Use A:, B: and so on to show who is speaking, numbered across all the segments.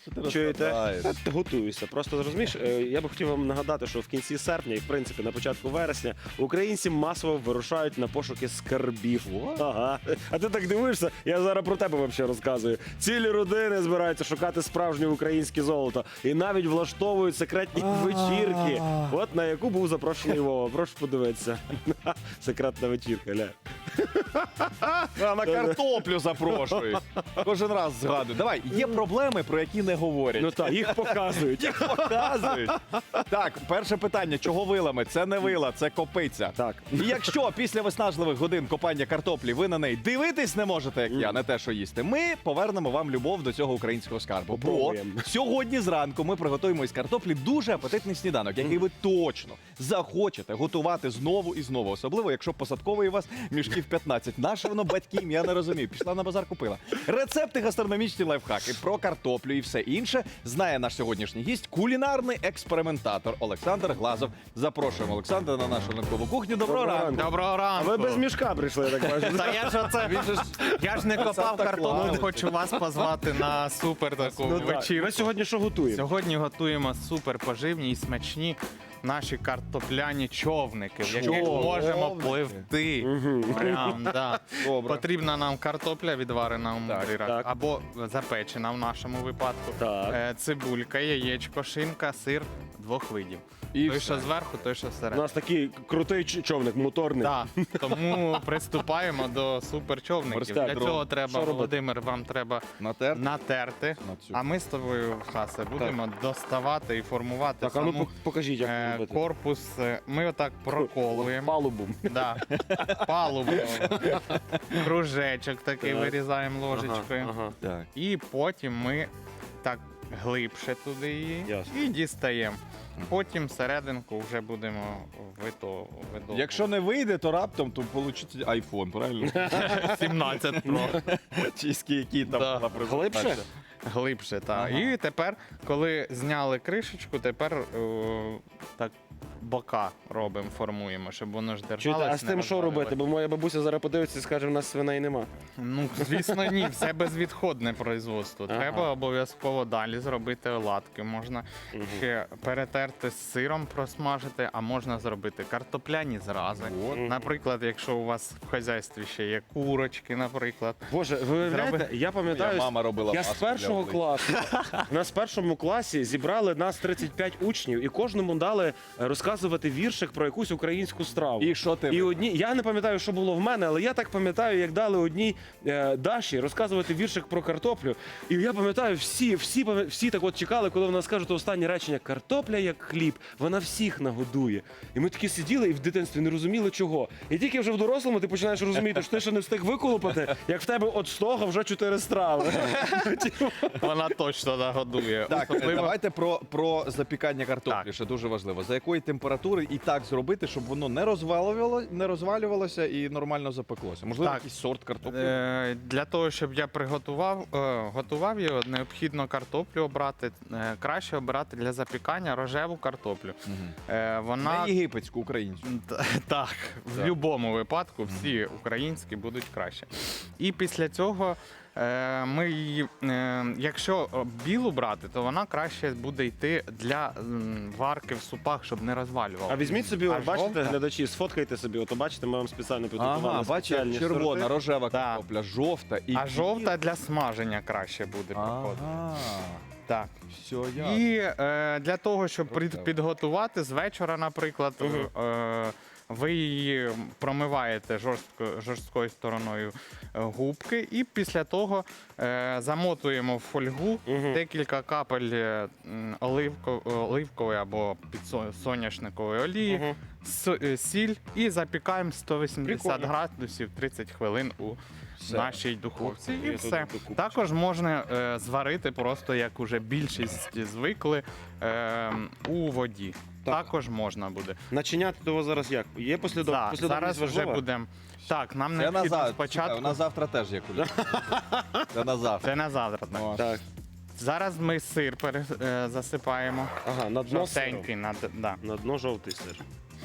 A: Чуєте? Готуюся. Просто розумієш, я би хотів вам нагадати, що в кінці серпня і в принципі на початку вересня українці масово вирушають на пошуки скарбів. Ага. А ти так дивишся? Я зараз про тебе взагалі розказую. Цілі родини збираються шукати справжнє українське золото і навіть влаштовують секретні вечірки. От на яку був запрошений Вова. Прошу подивитися. Секретна вечірка, ля.
B: А на картоплю запрошують. Кожен раз згадую. Давай, є проблеми, про які не говорять.
A: Ну так, їх показують.
B: Їх показують. Так, перше питання. Чого вилами? Це не вила, це копиця.
A: Так.
B: І якщо після виснажливих годин копання картоплі ви на неї дивитись не можете, як я, не те, що їсти, ми повернемо вам любов до цього українського скарбу. Бо
A: Попробуємо.
B: сьогодні зранку ми приготуємо із картоплі дуже апетитний сніданок, який ви точно захочете готувати знову і знову. Особливо, якщо посадковий у вас мішків 15. Наше воно батьків, я не розумію. Пішла на базар, купила. Рецепти, гастрономічні лайфхаки про картоплю і все інше знає наш сьогоднішній гість, кулінарний експериментатор Олександр Глазов. Запрошуємо Олександра на нашу ранкову кухню. Доброго ранку.
C: Доброго
A: А
C: ранку.
A: ви без мішка прийшли, я так бачу.
C: Та я ж оце, я ж не копав картоплю,
B: Клаус.
C: хочу вас позвати на супер таку
A: Ну, так.
C: вечірку.
A: Ми сьогодні що готуємо?
C: Сьогодні готуємо супер поживні і смачні наші картопляні човники, в яких можемо пливти. Прям, да.
B: Добре.
C: Потрібна нам картопля відварена у мундирах,
A: так.
C: або запечена в нашому випадку.
A: Так.
C: Цибулька, яєчко, шинка, сир двох видів.
B: І
C: той,
B: все.
C: що зверху, той, що
A: У
C: всередині.
A: нас такий крутий човник, моторний.
C: Так, тому приступаємо до суперчовників.
B: Морська
C: Для
B: дрова.
C: цього
A: Що
C: треба,
A: робити?
C: Володимир, вам треба
B: Натер?
C: натерти.
B: На цю.
C: А ми з тобою, Хасе, будемо доставати і формувати
A: Так, а ну
C: саму
A: покажіть, як це робити.
C: корпус. Ми отак проколуємо.
A: Палубу.
C: Да. Палубу. Кружечок такий
A: Так.
C: вирізаємо ложечкою.
A: Ага.
B: Так.
C: І потім ми так глибше туди її
A: Ясно.
C: і дістаємо. Потім серединку вже будемо видовувати.
B: Якщо не вийде, то раптом то получиться айфон, правильно?
C: 17 Pro.
B: Чи скільки там
C: Да.
B: була презентація.
A: Глибше?
C: Глибше, так.
B: Ага.
C: І тепер, коли зняли кришечку, тепер так бока робимо, формуємо, щоб воно ж держалося.
A: Чуєте, а з тим що робити? Бо моя бабуся зараз подивиться і скаже, в нас свиней нема.
C: Ну, звісно, ні, все безвідходне производство.
A: Ага.
C: Треба обов'язково далі зробити оладки. Можна ще перетерти з сиром, просмажити, а можна зробити картопляні зрази. Наприклад, якщо у вас в хазяйстві ще є курочки, наприклад.
A: Боже, ви уявляєте, я пам'ятаю,
B: Моя мама робила
A: я з
B: маску для
A: першого
B: обличчя.
A: класу, нас в першому класі зібрали нас 35 учнів і кожному дали розказувати віршик про якусь українську страву.
B: І що ти?
A: І одні, я не пам'ятаю, що було в мене, але я так пам'ятаю, як дали одній Даші розказувати віршик про картоплю. І я пам'ятаю, всі так от чекали, коли вона скаже то останнє речення: картопля як хліб, вона всіх нагодує. І ми такі сиділи і в дитинстві не розуміли чого. І тільки вже в дорослому ти починаєш розуміти, що ти ще не встиг виколупати, як в тебе от з того вже 4 страви.
C: Вона точно нагодує.
B: Так,
C: Особливо-
B: давайте про запікання картоплі,
C: Так.
B: ще дуже важливо. За якої температури і так зробити, щоб воно не розвалювалося і нормально запеклося? Можливо,
C: Так.
B: якийсь сорт картоплі?
C: Для того, щоб я готував його, необхідно картоплю обрати. Краще обирати для запікання рожеву картоплю. Вона
B: Не єгипетську, українську.
C: так, в будь-якому випадку всі українські будуть краще. І після цього ми її, якщо білу брати, то вона краще буде йти для варки в супах, щоб не розвалювала.
A: А візьміть собі,
C: А
A: бачите,
C: жовта?
A: глядачі, сфоткайте собі, ото бачите, ми вам спеціально підготували.
B: Ага, бачиш,
A: спеціальні
B: червона,
A: сорти.
B: рожева
C: Да.
B: картопля, жовта і
C: А жовта для смаження краще буде проходити.
B: Ага,
C: Так.
B: все ясно.
C: І для того, щоб
B: Рожева.
C: підготувати з вечора, наприклад, ви її промиваєте жорсткою стороною губки, і після того замотуємо в фольгу декілька капель оливкової або соняшникової олії, сіль і запікаємо 180
A: Прикольно.
C: градусів 30 хвилин у
B: Все.
C: нашій духовці.
A: Ух ти,
C: І
A: я
C: все.
A: тут докупчу.
C: Також можна зварити просто, як уже більшість звикли, у воді.
A: Так.
C: Також можна буде.
A: Начиняти того зараз як? Є послідовність
C: Зараз вже
A: важлива?
C: будемо. Так, нам
B: Це на
C: необхідно
B: завтра.
C: спочатку.
B: У нас завтра теж є кулі. Це на завтра.
C: Це на завтра. Так.
B: О.
A: Так.
C: Зараз ми сир засипаємо.
A: Ага, на дно
C: Жовтенький. Да.
A: На дно жовтий сир.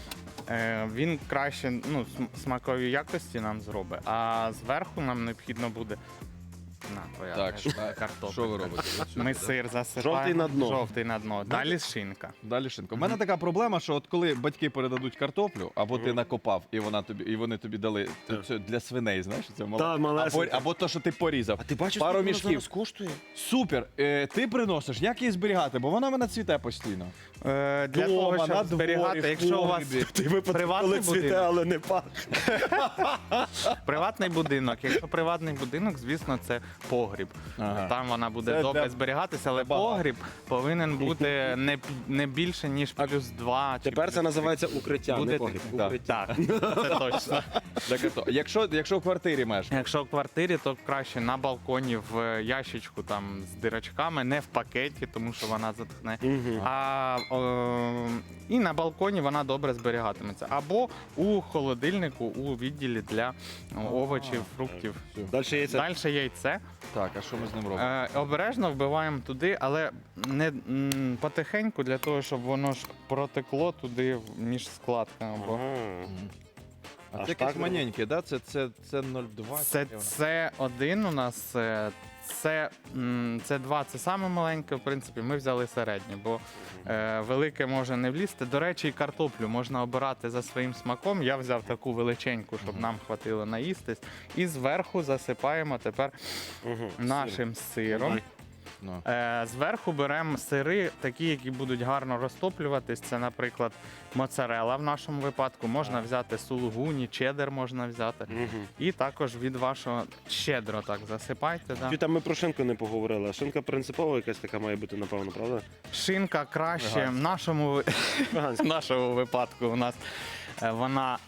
C: Він краще смакові якості нам зробить, а зверху нам необхідно буде На, твоя
B: Так,
C: картопля.
B: що ви робите?
C: Ми сир засипаємо.
A: Жовтий на дно.
C: Жовтий на дно. Далі шинка.
B: Далі шинка. У мене така проблема, що от коли батьки передадуть картоплю, або ти накопав, і вони тобі дали це для свиней, знаєш, це
A: Та, малесенька.
B: або то, що ти порізав.
A: А ти бачиш,
B: пару
A: скільки воно
B: мішків.
A: зараз коштує?
B: Супер. Ти приносиш, як її зберігати, бо вона в мене цвіте постійно.
C: Для
B: Дома,
C: того,
B: на
C: щоб
B: дворі,
C: зберігати,
B: в
C: якщо у вас
B: погребі.
A: Ти випадок,
C: Приватний
A: коли цвіте,
C: будинок.
A: але не пахне.
C: приватний будинок, якщо приватний будинок, звісно, це погріб.
B: Ага.
C: Там вона буде
B: Це
C: добре
B: для-
C: зберігатися, але
B: багато.
C: погріб повинен бути не більше, ніж плюс 2.
A: Тепер це називається укриття,
C: Буде
A: не погріб.
B: так.
A: Укриття.
C: Так, це точно.
B: Так, ото. Якщо в квартирі мешкаєш,
C: Якщо в квартирі, то краще на балконі в ящичку там з дирочками, не в пакеті, тому що вона затхне. І на балконі вона добре зберігатиметься. Або у холодильнику у відділі для овочів, фруктів.
A: Далі яйця.
C: Далі яйце.
B: так, а що ми з ним робимо?
C: Обережно вбиваємо туди, але не потихеньку, для того, щоб воно ж протекло туди між складками. Бо
B: А
A: аж
B: це якесь
A: так
B: маленьке, да? Це 0,2?
C: це один у нас. Це 2, це саме маленьке, в принципі, ми взяли середнє, бо велике може не влізти. До речі, і картоплю можна обирати за своїм смаком. Я взяв таку величеньку, щоб нам хватило наїстись. І зверху засипаємо тепер нашим сиром.
B: Ну.
C: Зверху беремо сири, такі, які будуть гарно розтоплюватись. Це, наприклад, моцарелла в нашому випадку. Можна взяти сулугуні, чеддер можна взяти. І також від вашого щедро так засипайте. Да.
A: Там ми про шинку не поговорили. А шинка принципова якась така має бути, напевно, правда?
C: Шинка краще
B: Ага.
C: в нашому,
A: Веганська.
C: в нашому випадку у нас вона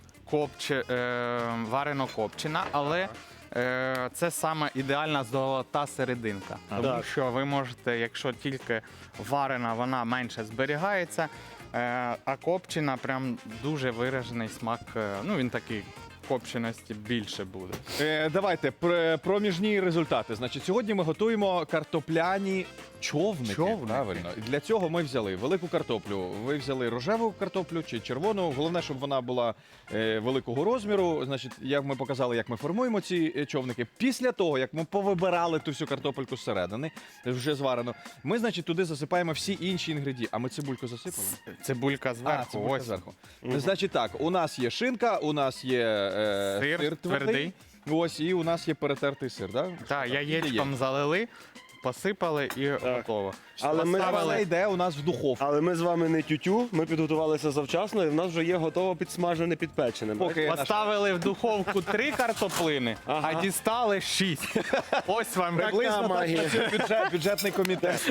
C: варено копчена, але це саме ідеальна золота серединка. Тому
A: Так.
C: що ви можете, якщо тільки варена, вона менше зберігається, а копчена прям дуже виражений смак. Ну він такий копченості більше буде.
B: Давайте проміжні результати. Значить, сьогодні ми готуємо картопляні човники.
C: Човники.
B: Правильно. І для цього ми взяли велику картоплю. Ви взяли рожеву картоплю чи червону. Головне, щоб вона була великого розміру. Значить, як ми показали, як ми формуємо ці човники. Після того, як ми повибирали ту всю картопельку зсередини, вже зварено, ми, значить, туди засипаємо всі інші інгредієнти. А ми цибульку засипали?
C: Цибулька зверху.
B: Цибулька
C: Ось.
B: зверху. Значить так, у нас є шинка, у нас є
C: Сир
B: сир
C: твердий.
B: Ось, і у нас є перетертий сир, так?
C: Так, яєчком залили, посипали і готово.
A: Але ми-
B: Це йде у нас в духовку.
A: Але ми з вами не тютю, ми підготувалися завчасно, і в нас вже є готово підсмажене підпечене.
B: Поки
C: Поставили в духовку 3 картоплини,
A: Ага.
C: а дістали 6. Ось вам
B: Приблизно так
A: магія.
B: працює бюджетний комітет.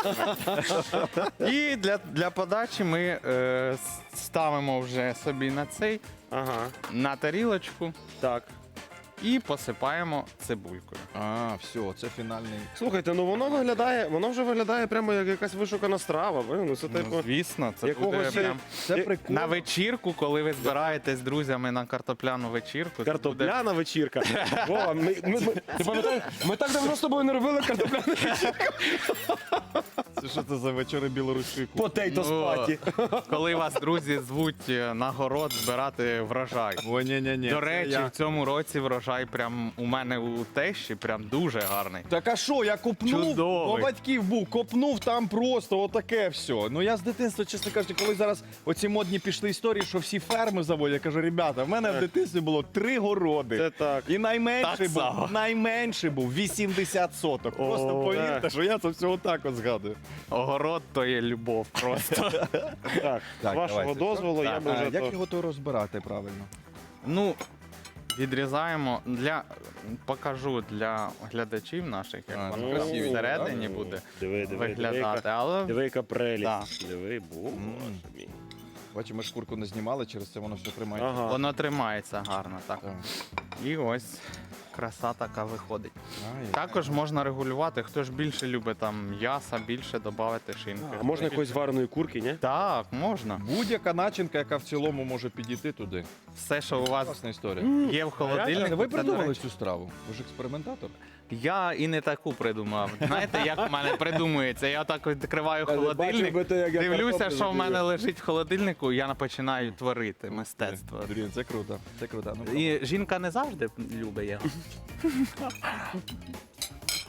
C: І для подачі ми ставимо вже собі
A: Ага,
C: на тарілочку
A: так.
C: і посипаємо цибулькою.
B: А, все, це фінальний.
A: Слухайте, ну воно вже виглядає прямо як якась вишукана страва. Ну, це типу.
C: Ну, звісно, це буде
A: якогось
C: прям
B: Це
A: Я-
B: прикольно.
C: на вечірку, коли ви збираєтесь з друзями на картопляну вечірку. це буде-
A: Картопляна вечірка. Вова, ти пам'ятаєш, ми так давно з тобою не робили картопляну вечірку.
B: Це що це за вечори білоруської кухні?
A: Потейто
C: Ну,
A: спаті.
C: Коли вас друзі звуть на город збирати врожай.
B: О, ні.
C: До речі, в цьому році врожай прям у мене у тещі прям дуже гарний.
B: Так а що, я копнув,
C: Чудовий.
B: у батьків був, копнув там просто отаке все. Ну я з дитинства, чесно кажучи, коли зараз оці модні пішли історії, що всі ферми заводять, я кажу, ребята, в мене в дитинстві було 3 городи.
A: Це так.
B: І найменший
C: Так
B: був 80 соток. Просто
A: О,
B: повірте,
A: так.
B: що я це все отак от згадую.
C: Огород то є любов просто.
A: Так, з вашого
B: давайте.
A: дозволу, я би
B: А
A: вже
B: як
A: то...
B: його то розбирати правильно?
C: Ну, відрізаємо покажу для глядачів наших, як
B: А,
C: воно
B: ну,
C: там
B: красиві,
C: всередині
B: так?
C: буде
A: Диви,
C: виглядати. Але
A: Диви, яка прелість.
C: Да.
A: Диви, боже мій.
B: Бачимо, ми шкурку не знімали, через це воно все тримає.
A: Ага.
C: воно тримається гарно. Так.
B: Так.
C: І ось краса така виходить.
B: Ай,
C: Також можна регулювати, хто ж більше любить там м'яса, більше додати шинки.
A: А можна якоїсь вареної курки, ні?
C: Так, можна.
B: Будь-яка начинка, яка в цілому може підійти туди.
C: Все, що у вас
B: Класна історія.
C: є в холодильнику.
B: Ви
C: це, до
B: придумали
C: речі,
B: цю страву? Ви ж експериментатор?
C: Я і не таку придумав. Знаєте, як в мене придумується? Я так відкриваю холодильник, дивлюся, що в мене лежить в холодильнику, і я починаю творити мистецтво.
B: Блін, це круто. Це круто. Ну,
C: І жінка не завжди любить його.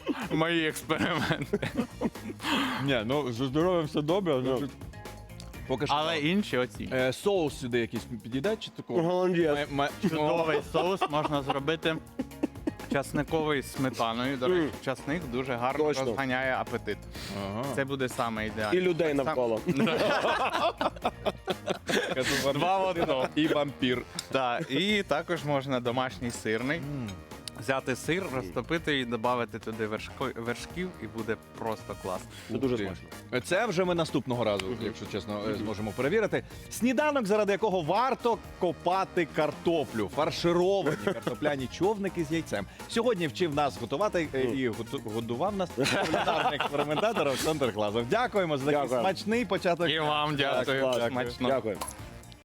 C: мої експерименти.
B: Ні, ну зі здоров'ям все добре, значить, поки що.
C: Але інші оці.
B: Соус сюди якийсь підійде чи такого?
A: Голландець.
C: Чудовий соус можна зробити часниковий з сметаною. До речі, часник дуже гарно
A: Точно.
C: розганяє апетит.
B: Ага.
C: Це буде саме
A: І
C: ідеально.
A: людей навколо.
C: Два в одному.
B: І вампір.
C: Так, і також можна домашній сирний. Взяти сир, розтопити і додати туди вершків, і буде просто клас.
A: Це дуже
B: Ух ти.
A: смачно.
B: Це вже ми наступного разу, якщо чесно, зможемо перевірити. Сніданок, заради якого варто копати картоплю. Фаршировані картопляні човники з яйцем. Сьогодні вчив нас готувати і годував нас кулінарний експериментатор Олександр Глазов. Дякуємо за такий
A: Дякую.
B: смачний початок.
C: І вам дякую.
A: Клас.
C: Смачно.
A: Дякую.